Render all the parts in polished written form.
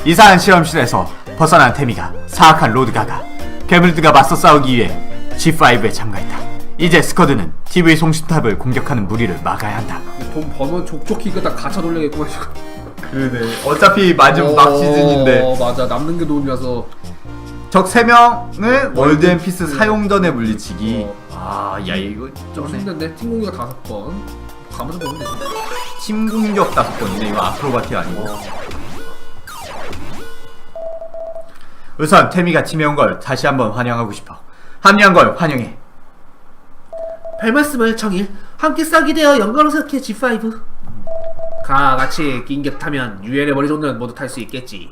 이상한 실험실에서 벗어난 태미가 사악한 로드가가 괴물들과 맞서 싸우기 위해 G5에 참가했다. 이제 스쿼드는 TV 송신탑을 공격하는 무리를 막아야 한다. 돈 버는 족족히 이거 다 가차 돌려야겠구만 지금. 그러네. 어차피 마지막 막 시즌인데. 맞아. 남는 게 돈이라서. 적 3명을 월드 앤 피스 사용 전에 물리치기. 아, 야 이거 좀 쩌네. 힘든데 팀 공격 5번. 가면서 보면 되지. 팀 공격 5번이네. 이거 아크로바티 아니고. 우선 태미가 팀에 온 걸 다시 한번 환영하고 싶어. 합류한 걸 환영해. 별말씀을 청일. 함께 싸게 되어 영광스럽게 G5. 같이 긴격 타면 유엔의 머리존은 모두 탈 수 있겠지.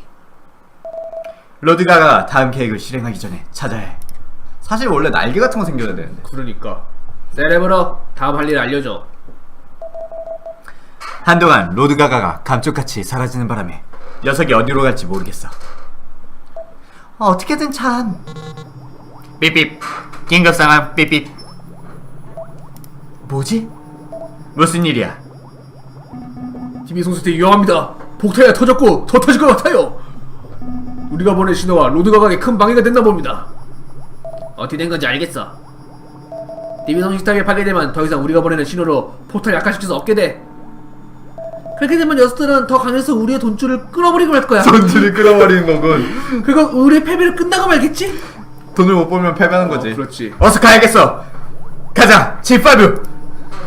로드가가 다음 계획을 실행하기 전에 찾아야 해. 사실 원래 날개 같은 거 생겨야 되는데. 그러니까. 세레브로 다음 할 일 알려줘. 한동안 로드가가가 감쪽같이 사라지는 바람에 녀석이 어디로 갈지 모르겠어. 어떻게든 참. 삐삐. 긴급 상황 삐삐. 뭐지? 무슨 일이야? TV 송수대 위험합니다. 폭탄이 터졌고 더 터질 것 같아요. 우리가 보낸 신호와 로드가각에 큰 방해가 됐나 봅니다. 어떻게 된 건지 알겠어. TV 송시스템이 파괴되면 더 이상 우리가 보내는 신호로 포탈을 약화시킬 수 없게 돼. 그렇게 되면 녀석들은 더 강해서 우리의 돈줄을 끊어버리고 말 거야. 돈줄을 끌어버리는 거군. 그리고 우리의 패배를 끝나고 말겠지? 돈을 못 벌면 패배하는 거지. 그렇지. 어서 가야겠어. 가자. G5.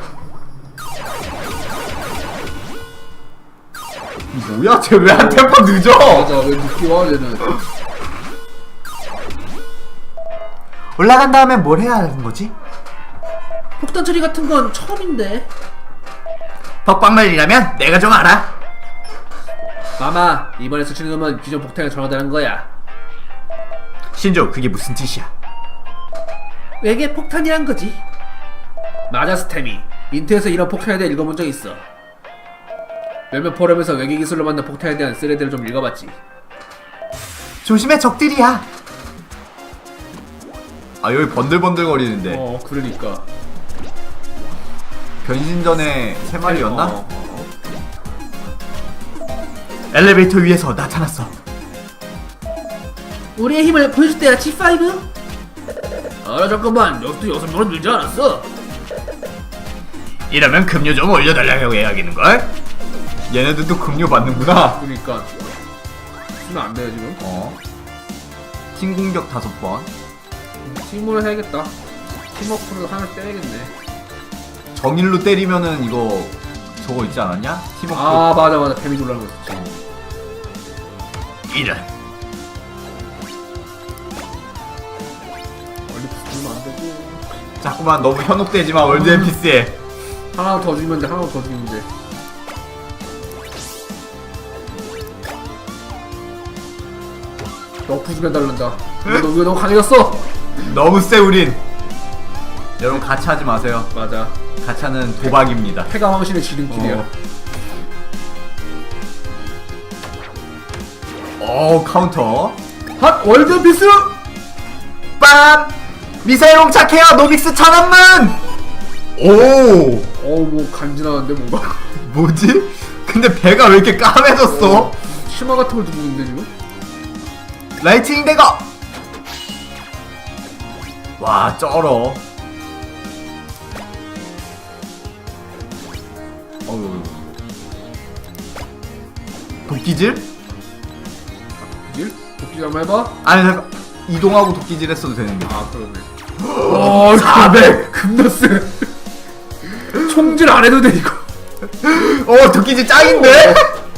뭐야? 쟤 왜 한 템포 늦어? 맞아. 왜 늦게 와 얘는. 올라간 다음에 뭘 해야 하는 거지? 폭탄 처리 같은 건 처음인데. 덕방말이라면 내가 좀 알아. 마마, 이번에 수치는 놈은 기존 폭탄에 전화다는 거야. 신조, 그게 무슨 뜻이야? 외계 폭탄이란 거지. 맞아, 스템이. 인터넷에서 이런 폭탄에 대해 읽어본 적 있어. 몇몇 포럼에서 외계 기술로 만든 폭탄에 대한 쓰레기를 좀 읽어봤지. 조심해, 적들이야. 아, 여기 번들번들거리는데. 그러니까. 변신 전에 3마리였나? 엘리베이터 위에서 나타났어. 우리의 힘을 보여줄 때야, G5? 잠깐만. 녀석도 6명을 늘지 않았어? 이러면 급료 좀 올려달라고 해야겠는걸? 얘네들도 급료 받는구나. 그러니까. 쓰면 안 돼요, 지금? 팀 공격 5번. 팀으로 해야겠다. 팀워크를 하나 때려야겠네. 정일로 때리면은 이거 저거 있지 않았냐? 팀워크. 아, 맞아. 데미지 올라가는 거 있지. 이런. 멀리 붙으면 안 되고. 자꾸만 너무 현혹되지 마, 월드 앤 피스에. 하나 더 죽이면 돼, 하나 더 죽이면 돼. 너 부수면 달른다. 너 너무 강해졌어. 너무 세, 우린. 여러분, 가차하지 마세요. 맞아. 가차는 도박입니다. 폐가 황신의 지름길이야. 카운터. 핫 월드 비스. 빰! 미사일 홍착해요, 노빅스 천원문! 오! 뭐 간지나는데 뭔가. 뭐지? 근데 배가 왜 이렇게 까매졌어? 치마 같은 걸 두고 있는데 지금? 라이트닝 대거! 와, 쩔어. 어우. 도끼질? 일? 도끼 한번 해봐. 아니, 잠깐. 이동하고 도끼질 했어도 되는데. 아 그러네. 400 겁나 세. 총질 안 해도 돼 이거. 도끼질 짱인데?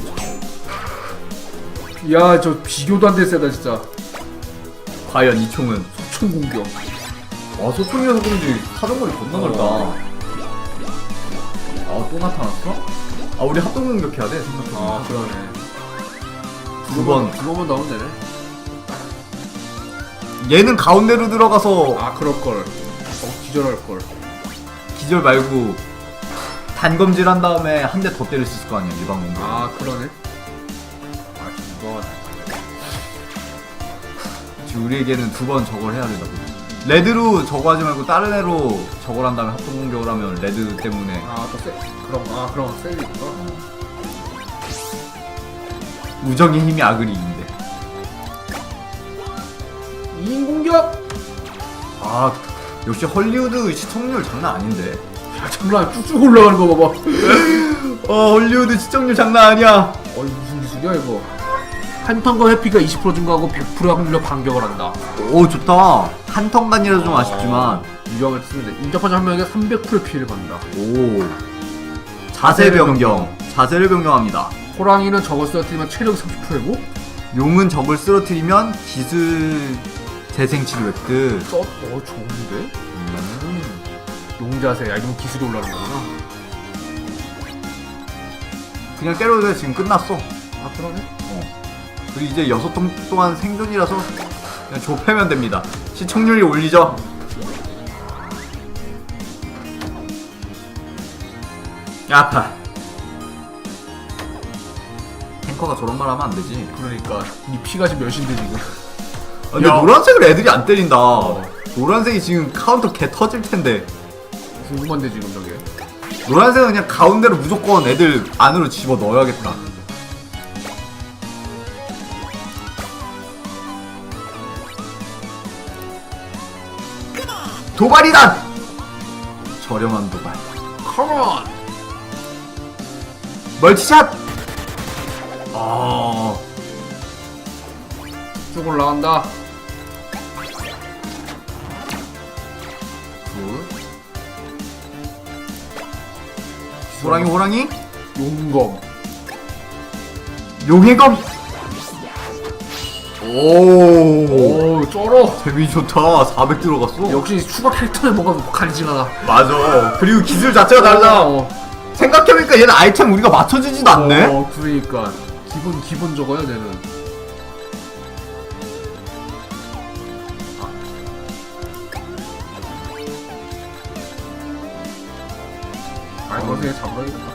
야, 저 비교도 안 돼 세다 진짜. 과연 이 총은? 총 공격. 와, 소총이어서 그런지 사정거리 겁나 넓다. 또 나타났어? 우리 합동 공격해야 돼, 생각해보니까. 그러네. 두 번. 두 번만 나오면 되네. 얘는 가운데로 들어가서 그럴걸. 기절할걸. 기절 말고 단검질 한 다음에 한 대 더 때릴 수 있을 거 아니야, 일반 공격. 그러네. 이거 지금 우리에게는 2번 저걸 해야 되다. 레드로 저거 하지 말고 다른 애로 저걸 한 다음에 합동 공격을 하면 레드 때문에. 또 세. 그럼 셀리구나. 무적의 힘이 악을 이긴대. 아 역시 헐리우드 시청률 장난 아닌데. 야 장난 쭉쭉 올라가는 거 봐봐. 헐리우드 시청률 장난 아니야. 어이 무슨 기술이야 이거. 한턴과 회피가 20% 증가하고 100% 확률로 반격을 한다. 오 좋다. 한 턴간이라도 좀 아쉽지만. 유형을 쓰는데 인접한 한 명에게 300%의 피해를 받는다. 오 자세 변경. 자세를 변경합니다. 호랑이는 저걸 쓰러뜨리면 체력 30%고 용은 적을 쓰러뜨리면 기술 재생 치료 획득. 좋은데? 용자세. 야 이건 기술이 올라가는 거구나. 그냥 때려도 돼. 지금 끝났어. 아 그러네? 그리고 이제 6통 동안 생존이라서 그냥 좁혀면 됩니다. 시청률이 올리죠. 아파. 탱커가 저런 말 하면 안 되지. 그러니까 이 피가 지금 몇인데 지금. 근데 야. 노란색을 애들이 안 때린다. 노란색이 지금 카운터 개 터질 텐데. 궁금한데 지금 저게. 노란색은 그냥 가운데로 무조건 애들 안으로 집어 넣어야겠다. 도발이다! 저렴한 도발. 컴온! 멀티샷! 쭉 올라간다. 호랑이 용검. 용의 검. 오 쩔어. 데미지 좋다. 400 들어갔어. 역시 추가 캐릭터에 뭔가 간지가 나. 맞아. 그리고 기술 자체가 다르잖아. 생각해보니까 얘는 아이템 우리가 맞춰주지도 않네. 그러니까 기본 저거야 얘는. 아이 거기서 잡으라겠다.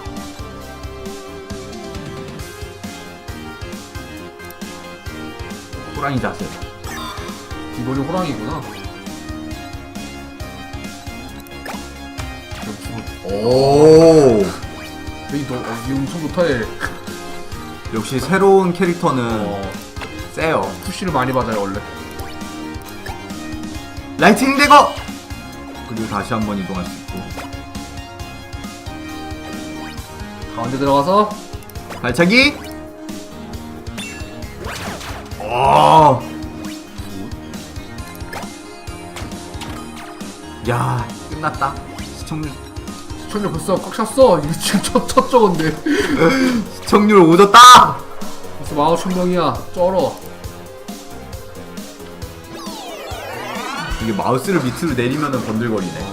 호랑이 자세. 기본이 호랑이구나. 오 이 엄청 좋다 얘. 역시 새로운 캐릭터는 세요. 푸시를 많이 받아요 원래. 라이트닝 대거. 그리고 다시 한번 이동할 수 있고. 가운데 들어가서 발차기. 야 끝났다. 시청률 벌써 꽉 찼어. 이거 지금 첫 저건데. 시청률 오졌다. 벌써 15,000명이야. 쩔어. 이게 마우스를 밑으로 내리면은 번들거리네.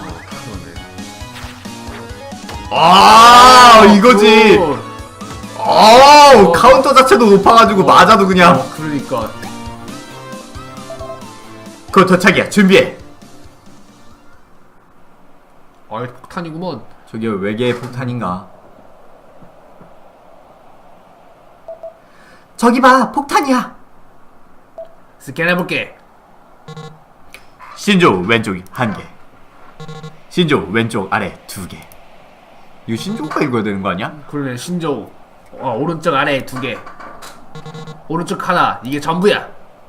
이거지. 카운터 자체도 높아가지고 맞아도 그냥. 그러니까. 그거 도착이야. 준비해. 폭탄이구먼. 저게 외계의 폭탄인가? 저기 봐, 폭탄이야. 스캔해볼게. 신조 왼쪽 1개. 신조 왼쪽 아래 2개. 이거 신조가 읽어야 되는 거 아니야? 그러네. 신조우. 오른쪽 아래 2개. 오른쪽 하나. 이게 전부야.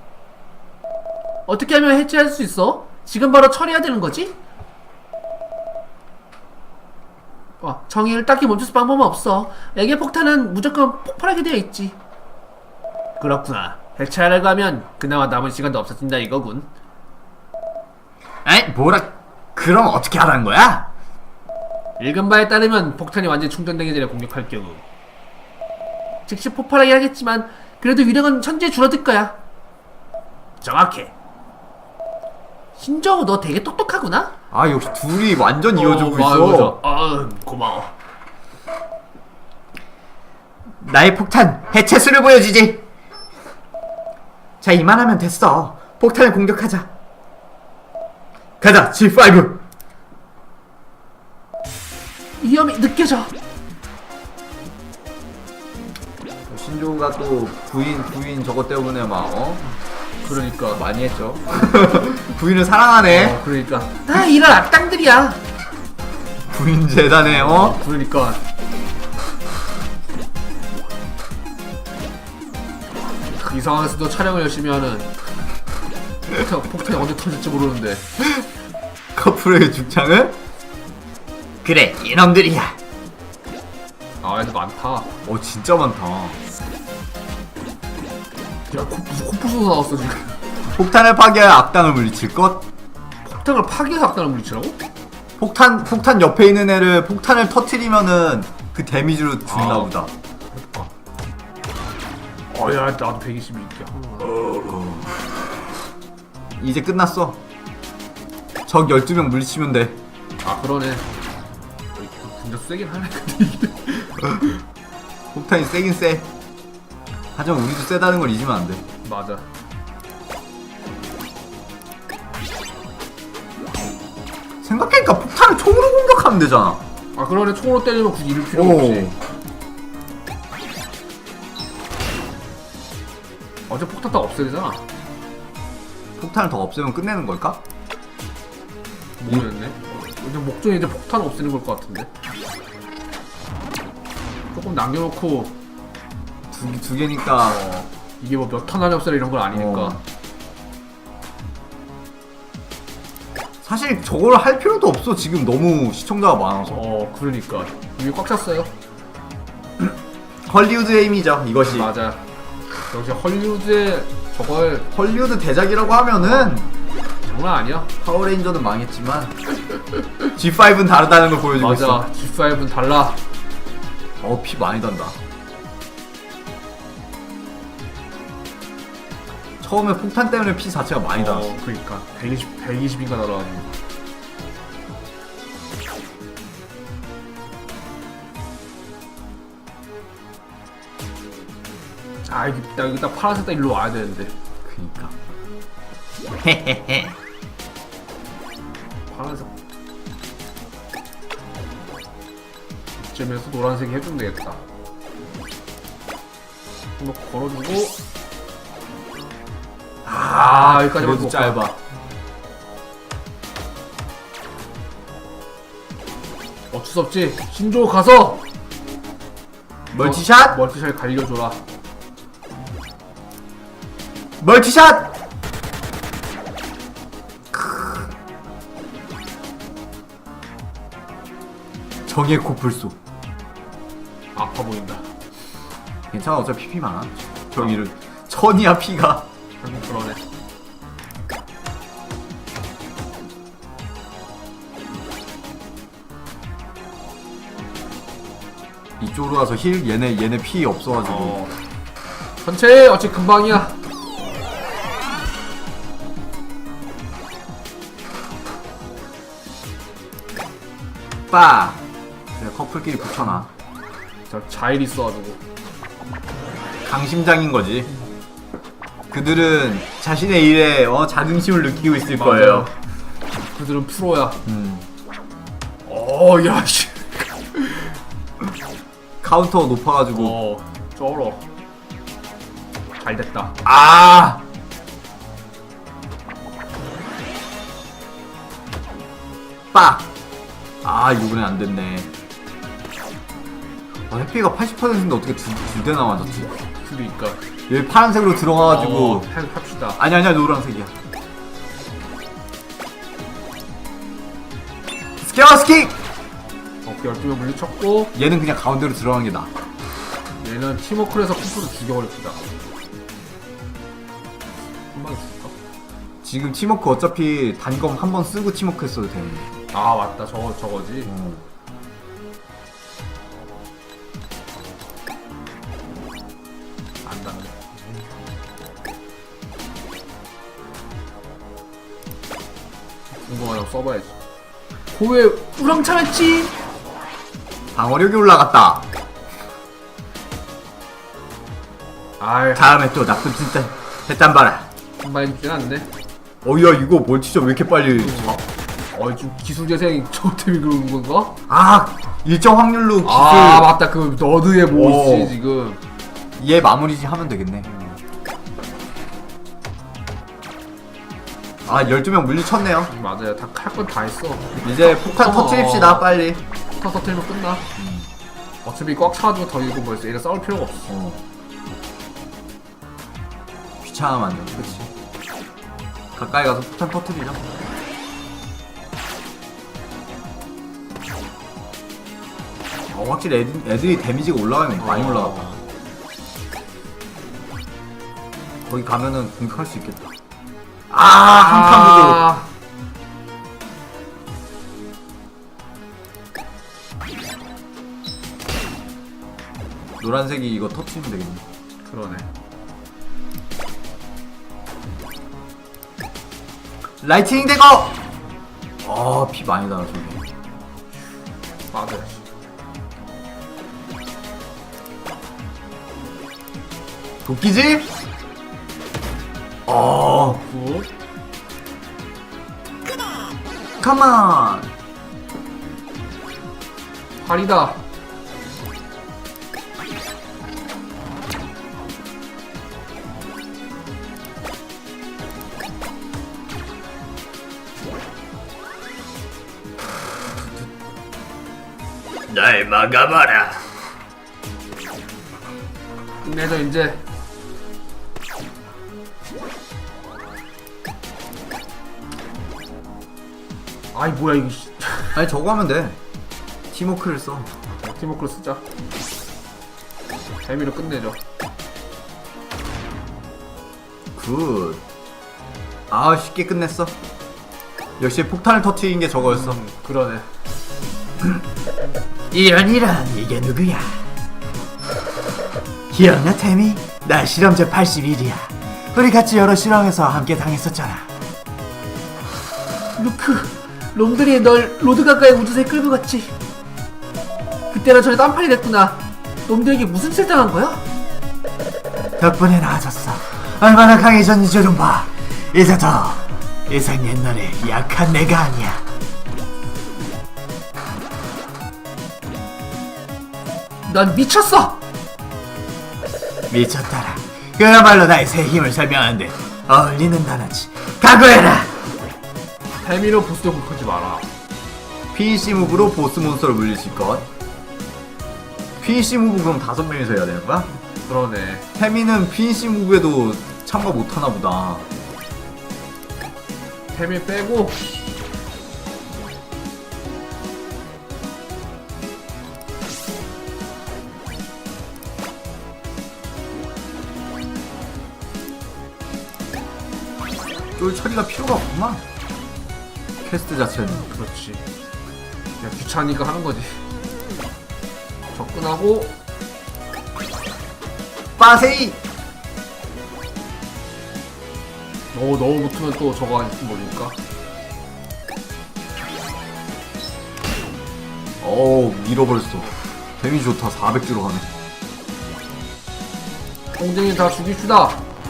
어떻게 하면 해체할 수 있어? 지금 바로 처리해야 되는 거지? 정의를 딱히 멈출 수 방법은 없어. 외계 폭탄은 무조건 폭발하게 되어 있지. 그렇구나. 해체하려고 하면 그나마 남은 시간도 없어진다 이거군. 에이 뭐라. 그럼 어떻게 하라는 거야? 읽은 바에 따르면 폭탄이 완전히 충전되기 전에 공격할 경우 즉시 폭발하게 하겠지만 그래도 위력은 천천히 줄어들 거야. 정확해. 신정우 너 되게 똑똑하구나? 역시 둘이 완전 이어주고 있어. 고마워. 나의 폭탄 해체수를 보여주지. 자 이만하면 됐어. 폭탄을 공격하자. 가자 G5. 위험이 느껴져. 신조가 또 부인 저것 때문에 막 그러니까 많이 했죠. 부인을 사랑하네. 그러니까 다 이런 악당들이야. 부인 재단에 그러니까 이 상황에서도 촬영을 열심히 하는. 폭탄이 언제 터질지 모르는데 커플의 죽창을? 그래, 이놈들이야. 아 애들 많다. 진짜 많다. 야 무슨 코뿔소도 나왔어 지금. 폭탄을 파괴하여 악당을 물리칠 것? 폭탄을 파괴해서 악당을 물리치라고? 폭탄 옆에 있는 애를 폭탄을 터트리면은 그 데미지로 죽나 보다. 야 나도 122야. 이제 끝났어. 적 12명 물리치면 돼. 아 그러네. 근데 세긴 하네. 근데 이게. 폭탄이 세긴 세. 하지만 우리도 세다는 걸 잊으면 안 돼. 맞아. 생각해니까 폭탄을 총으로 공격하면 되잖아. 아 그러네. 총으로 때리면 굳이 이럴 필요 없지. 어제 폭탄 다 없애야 되잖아. 폭탄을 더 없애면 끝내는 걸까? 모르겠네. 근데 목적이 이제 폭탄 없애는 걸 것 같은데. 조금 남겨놓고 두 개니까. 이게 뭐 몇 턴 안에 없애라 이런 건 아니니까. 사실 저걸 할 필요도 없어. 지금 너무 시청자가 많아서. 그러니까 이게 꽉 찼어요. 헐리우드의 힘이죠, 이것이. 맞아. 역시 헐리우드의 저걸 헐리우드 대작이라고 하면은 장난 아니야. 파워레인저는 망했지만 G5는 다르다는 걸 보여주고 있어. 맞아. G5는 달라. 피 많이 단다. 처음에 폭탄 때문에 피 자체가 많이 달았어. 그니까 120인가 날아가지고. 아 여기 딱 파란색 딱 일로 와야 되는데. 그니까. 파란색 이쯤에서 노란색이 해주면 되겠다. 이거 걸어주고. 여기까지 그래도 짧아. 어쩔 수 없지. 신조 가서 멀티샷! 멀티샷 갈려줘라. 멀티샷! 정의 코뿔소. 아파 보인다. 괜찮아, 어차피 피 많아. 저기를 천이야 피가. 그러네. 이쪽으로 가서 힐. 얘네 피 없어가지고. 전체 어찌 금방이야. 빠. 그래, 커플끼리 붙여놔. 저 자일 있어가지고. 강심장인 거지. 그들은 자신의 일에 자긍심을 느끼고 있을 맞아요. 거예요. 그들은 프로야. 야 씨. 카운터가 높아가지고. 쩔어. 잘 됐다. 빡! 이번엔 안 됐네. 해피가 80%인데 어떻게 두 대나 맞았지? 그러니까. 얘 파란색으로 들어가가지고. 합시다. 아니야, 노란색이야. 스케어스킥! 12명 물리쳤고. 얘는 그냥 가운데로 들어가는 게 나아. 얘는 팀워크를 해서 푸푸를 죽여버립시다. 한 방에 죽을까? 지금 팀워크 어차피 단검 한 번 쓰고 팀워크 했어도 되는데. 맞다. 저거지. 안 닿네. 궁금하다고 써봐야지. 왜 우렁차였지? 방어력이 올라갔다. 다음에 또 나쁜 진짜 했단 봐라. 한 방에 죽진 않는데. 야, 이거 멀티죠 왜 이렇게 빨리. 좀 기술 재생 저 때문에 그러는 건가? 일정 확률로 기술. 맞다. 그 너드의 모스 지금. 얘 마무리 하면 되겠네. 12명 물리쳤네요. 맞아요. 다 할 건 다 했어. 이제 폭탄 터트립시다, 빨리. 폭탄 터트리면 끝나. 어차피 꽉 차가지고 더 이거 뭐였어. 얘랑 싸울 필요가 없어. 귀찮아 완전. 그치. 가까이 가서 폭탄 터트리자. 확실히 애들이 데미지가 올라가면 많이 올라갔다. 거기 가면은 공격할 수 있겠다. 한칸 부족. 노란색이 이거 터치면 되겠네. 그러네. 라이트닝 대거! 피 많이 나와, 저기. 맞아야지. 도끼질? 굿. 컴온! 팔이다. 날 막아봐라. 끝내자 이제. 아이 뭐야 이거. 아니, 저거 하면 돼. 팀워크를 써. 팀워크로 쓰자. 재미로 끝내죠. 굿. 쉽게 끝냈어. 역시 폭탄을 터트린 게 저거였어. 그러네. 이런 이게 누구야? 기억나, 태미? 나 실험자 81이야. 우리 같이 여러 실험에서 함께 당했었잖아. 루크, 놈들이 널 로드가가의 우주선에 끌고 갔지. 그때랑 전에 딴판이 됐구나. 놈들에게 무슨 짓을 당한 거야? 덕분에 나아졌어. 얼마나 강해졌는지 좀 봐. 이제 더 이상 옛날에 약한 내가 아니야. 난 미쳤어! 미쳤다라. 그야말로 나의 새 힘을 설명하는데 어울리는 단어지. 각오해라. 태미로 보스도 공격하지 마라. PC 무브로 보스 몬스터를 물리칠 것. PC 무브 그럼 5명이서 해야 되는 거야? 그러네. 태미는 PC 무브에도 참가 못하나 보다. 태미 빼고 쫄 처리가 필요가 없구만. 퀘스트 자체는. 그렇지. 그냥 귀찮으니까 하는 거지. 접근하고 빠세이! 너무 붙으면 또 저거 안 모르니까. 밀어버렸어. 데미지 좋다. 400주로 가네. 공쟁이 다 죽입시다.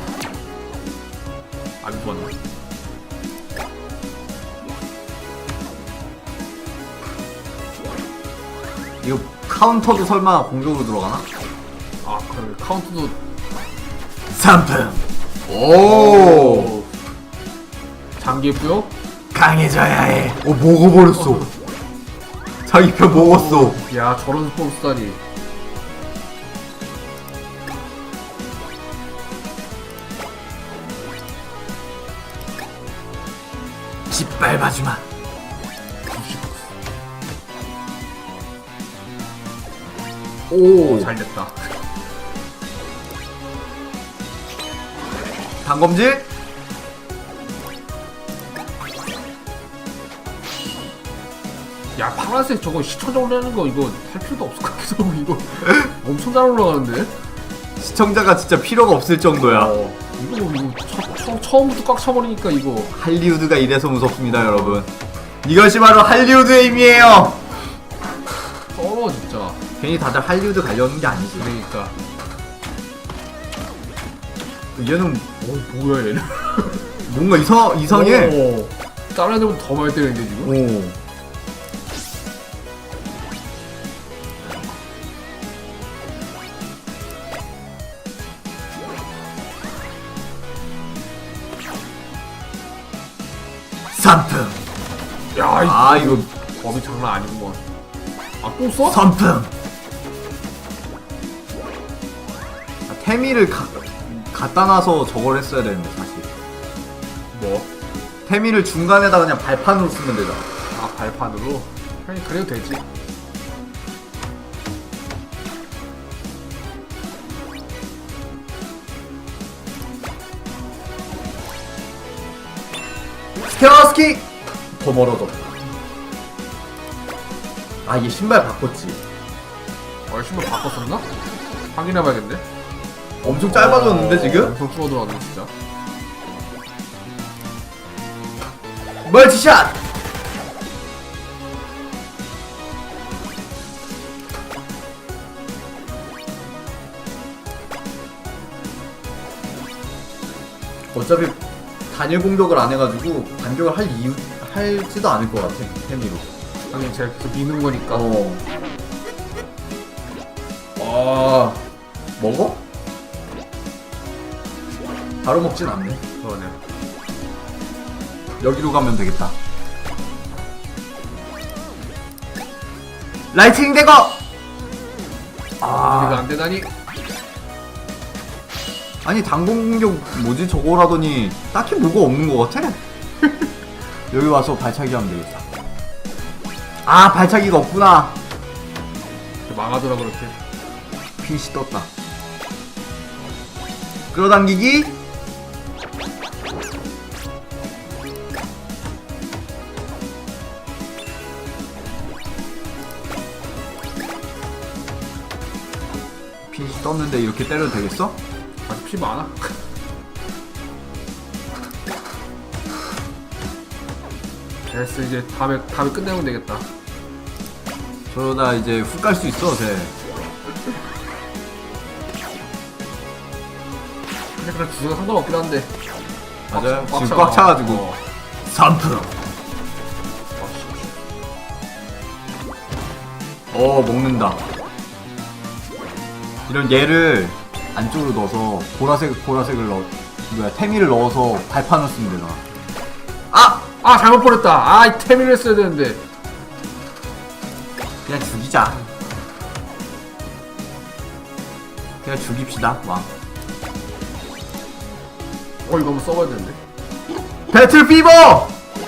안 죽었네. 이거 카운터도 설마 공격으로 들어가나? 아 그래 카운트도 3품! 오! 장기했고요. 강해져야 해. 먹어버렸어. 자기 편 먹었어. 야 저런 스포츠다니. 짓밟아주마. 오 잘됐다. 단검질? 야 파란색 저거 시청자 올라가는 거 이거 할 필요도 없을 것 같기도 하고 이거 엄청 잘 올라가는데? 시청자가 진짜 필요가 없을 정도야. 이거 처음부터 꽉 차버리니까 이거 할리우드가 이래서 무섭습니다, 여러분. 이것이 바로 할리우드의 힘이에요. 쩔어 진짜. 괜히 다들 할리우드 가려는 게 아니지. 그러니까 얘는 뭐야 얘는. 뭔가 이상해. 오, 다른 애들보다 더 많이 때리는데 지금? 오. 선풍. 야 이거 범위 장난 아니구먼. 아 또 써? 선풍. 태미를 갖다 놔서 저걸 했어야 되는데 사실. 뭐? 태미를 중간에다 그냥 발판으로 쓰면 되잖아. 아 발판으로? 아니 그래도 되지. 케어스킥! 더 멀어졌다. 아, 얘 신발 바꿨지. 신발 바꿨었나? 확인해봐야겠네. 엄청 짧아졌는데 지금? 엄청 줄어들었네 진짜. 멀티샷! 어차피 단일 공격을 안 해가지고 반격을 할지도 않을 것 같아. 태미로. 하긴 제가 계속 미는 거니까. 먹어? 바로 먹진 않네. 그러네. 여기로 가면 되겠다. 라이트닝 대거! 우리가 안 되다니. 아니 당공 공격 뭐지 저거라더니 딱히 뭐가 없는 것 같아. 여기 와서 발차기 하면 되겠다. 아 발차기가 없구나. 망하더라 그렇게. 핏이 떴다. 끌어당기기. 핏이 떴는데 이렇게 때려도 되겠어? 아직 피 많아. 됐어 이제 다음에 끝내면 되겠다. 저러다 이제 훅 갈 수 있어 쟤. 근데 그런 주제가 상관없긴 한데. 맞아요. 꽉 지금 차. 꽉 차가지고 3%. 먹는다. 이런 얘를 안쪽으로 넣어서 보라색을 태미를 넣어서 발판을 쓰면 되잖아. 잘못 버렸다. 이 태민을 했어야 되는데. 그냥 죽이자. 그냥 죽입시다. 왕. 이거 한번 써봐야 되는데. 배틀 피버!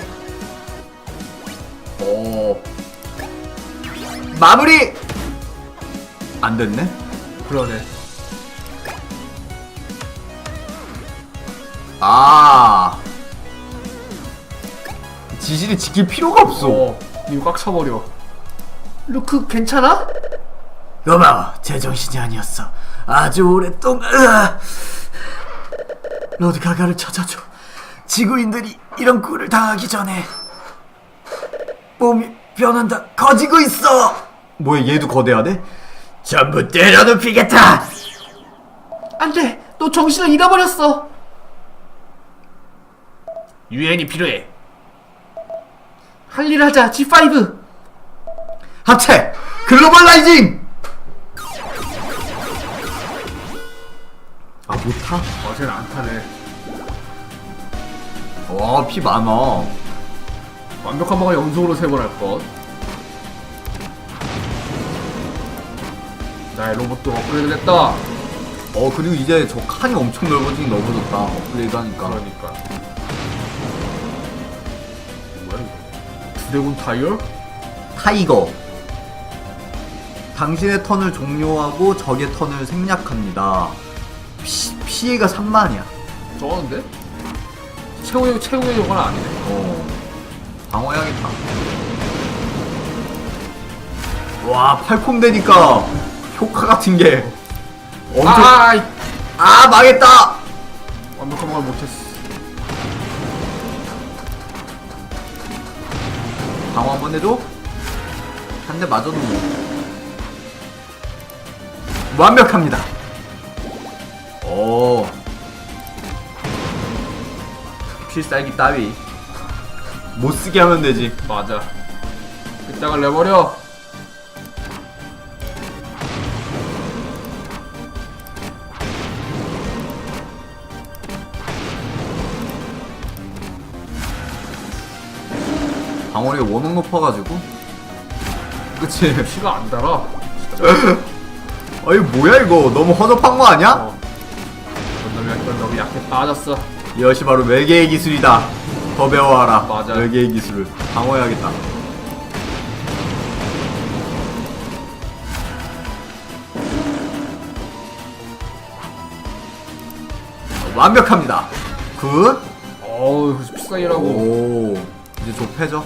마무리! 안 됐네? 그러네. 지시를 지킬 필요가 없어. 이거 꽉 차버려. 루크 괜찮아? 고마워. 제정신이 아니었어. 아주 오랫동안. 로드 가가를 찾아줘. 지구인들이 이런 꼴을 당하기 전에. 몸이 변한다. 커지고 있어. 뭐야 얘도 거대하네? 전부 때려눕히겠다. 안돼. 너 정신을 잃어버렸어. 유엔이 필요해. 할 일 하자. G5. 합체 글로벌라이징. 못 타? 쟤는 안 타네. 와, 피 많아. 완벽한 방어 연속으로 3번 할 것. 나의 로봇도 업그레이드 됐다. 그리고 이제 저 칸이 엄청 넓어졌다. 업그레이드 하니까. 그러니까. 뭐야 이거? 드래곤 타이어? 타이거. 당신의 턴을 종료하고 적의 턴을 생략합니다. 피해가 3만이야. 쩌는데? 최후의 요건 아니네. 방어해야겠다. 와, 팔콤 되니까 효과 같은 게 엄청. 망했다! 완벽한 걸 못했어. 방어 한번 해줘? 한 대 맞아도 완벽합니다. 필살기 따위 못쓰게 하면 되지. 맞아. 이따가 내버려. 방어력이 워낙 높아가지고. 그치? 피가 안 달아. 아이 뭐야 이거 너무 허접한 거 아니야? 이건 너무 약해 빠졌어. 이것이 바로 외계의 기술이다. 더 배워와라. 맞아. 외계의 기술을 방어해야겠다. 완벽합니다. 굿. 어우 비싸이라고. 오, 이제 좁혀져.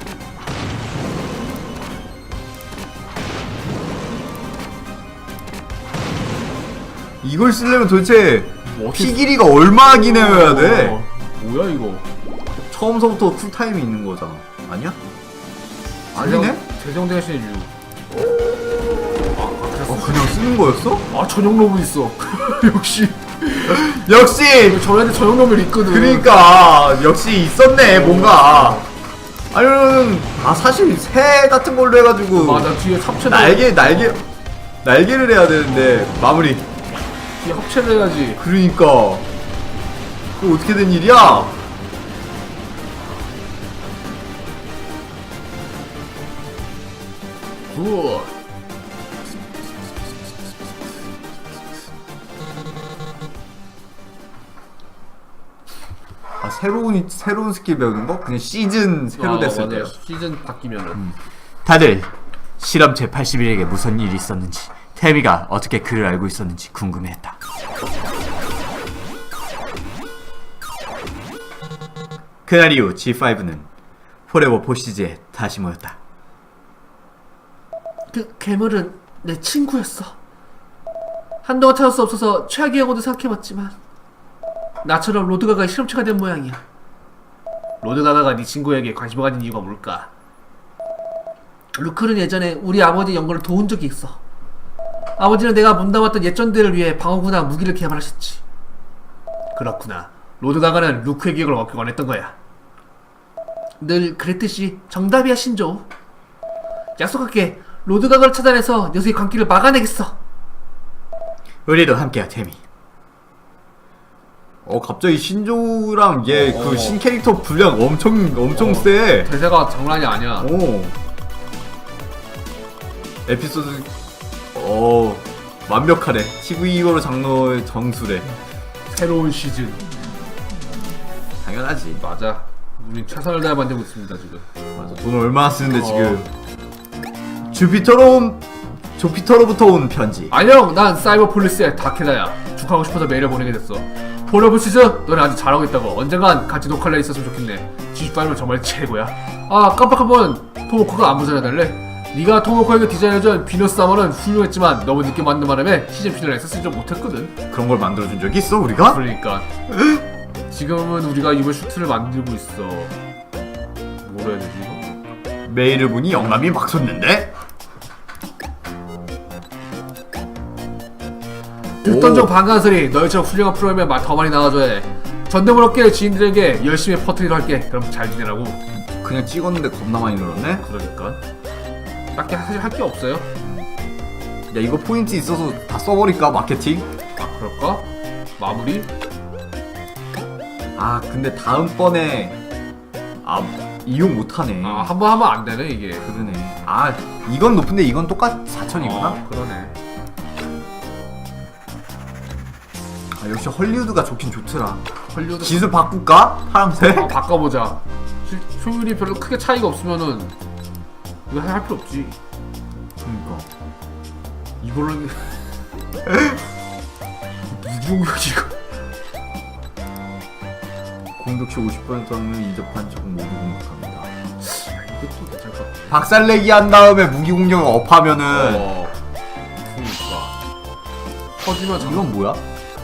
이걸 쓰려면 도대체 피 길이가 얼마나 기내야 돼? 뭐야 이거? 처음서부터 쿨타임이 있는 거잖아. 아니야? 아니네? 재정 대신 6. 그냥 쓰는 거였어? 아 전용 로봇 있어. 역시 역시! 저한테 전용 로봇 있거든. 그러니까 역시 있었네 뭔가. 아니면 사실 새 같은 걸로 해가지고 맞아 뒤에 합체도 날개를 해야 되는데 마무리. 뒤에 합체를 해야지. 그러니까 이거 어떻게 된 일이야? 굿. 새로운 스킬 배우는 거? 그냥 시즌 새로 됐을 때. 맞아요. 시즌 바뀌면은. 다들 실험 제81에게 무슨 일이 있었는지, 태미가 어떻게 그를 알고 있었는지 궁금해했다. 그날 이후 G5는 포레버 포시즈에 다시 모였다. 그 괴물은 내 친구였어. 한동안 찾을 수 없어서 최악의 경우도 생각해봤지만 나처럼 로드가가 실험체가 된 모양이야. 로드가가가 네 친구에게 관심을 가진 이유가 뭘까? 루크는 예전에 우리 아버지 연구를 도운 적이 있어. 아버지는 내가 몸담았던 예전들을 위해 방어구나 무기를 개발하셨지. 그렇구나. 로드가가는 루크의 기억을 얻기 원했던 거야. 늘 그랬듯이 정답이야 신조. 약속할게. 로드가가를 찾아내서 녀석의 광기를 막아내겠어. 우리도 함께야 태미. 갑자기 신조랑 얘 그 신캐릭터 분량 엄청 세. 대사가 장난이 아니야. 에피소드 완벽하네. TV2로 장르의 정수래. 새로운 시즌. 당연하지. 맞아. 우린 최선을 다해 만들고 있습니다 지금. 맞아. 돈을 얼마나 쓰는데 지금. 조피터로부터 온 편지. 안녕, 난 사이버폴리스의 다케다야. 축하하고 싶어서 메일을 보내게 됐어. 폴러브시즈, 너네 아주 잘하고 있다고. 언젠간 같이 녹화를 있었으면 좋겠네. G5는 정말 최고야. 깜빡 한번 토모코가 안무 전해달래. 네가 토모코에게 디자인해준 비너스 사머는 훌륭했지만 너무 늦게 만든 바람에 시즌 피널에 쓰지 좀 못했거든. 그런 걸 만들어준 적이 있어 우리가? 그러니까 지금은 우리가 이번 슈트를 만들고 있어. 뭐라 해야 되지 이거? 메일을 보니 영감이 막 솟는데? 듣던 중 반가운 소리. 너희처럼 훌륭한 프로그램에 더 많이 나와줘야 해. 전대물 업계 지인들에게 열심히 퍼뜨리려 할게. 그럼 잘 지내라고. 그냥 찍었는데 겁나 많이 늘었네? 그러니까 딱히 사실 할 게 없어요. 야 이거 포인트 있어서 다 써버릴까 마케팅? 그럴까? 마무리? 근데 다음번에 이용 못하네. 한 번 하면 안 되네 이게. 그러네. 이건 높은데 이건 똑같 4,000이구나? 그러네. 역시 헐리우드가 좋긴 좋더라. 헐리우드 기술 바꿀까? 파란색? 바꿔보자. 효율이 별로 크게 차이가 없으면은 이거 할 필요 없지. 그니까 이걸로 무기공격이 이거. 공격시 50%는 이접한 적 모두 공격합니다. 이것도 괜찮을 것 같아. 박살내기 한 다음에 무기 공격을 업하면은 그러니까 터지면 이건 뭐야?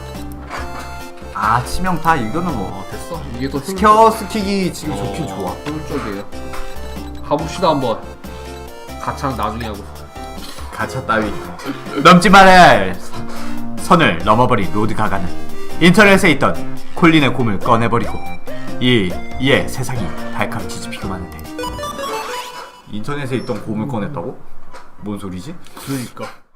치명타 이거는 뭐 됐어. 이게 더 스퀘어 스틱이 지금 좋긴 좋아. 효율적이에요. 가봅시다 한번. 가차는 나중에 하고. 가차 따위 넘지 말아야 할 선을 넘어버린 로드가가는 인터넷에 있던 콜린의 곰을 꺼내버리고 이에 세상이 발칵 뒤집히고 마는데. 인터넷에 있던 곰을 꺼냈다고? 뭔 소리지? 그러니까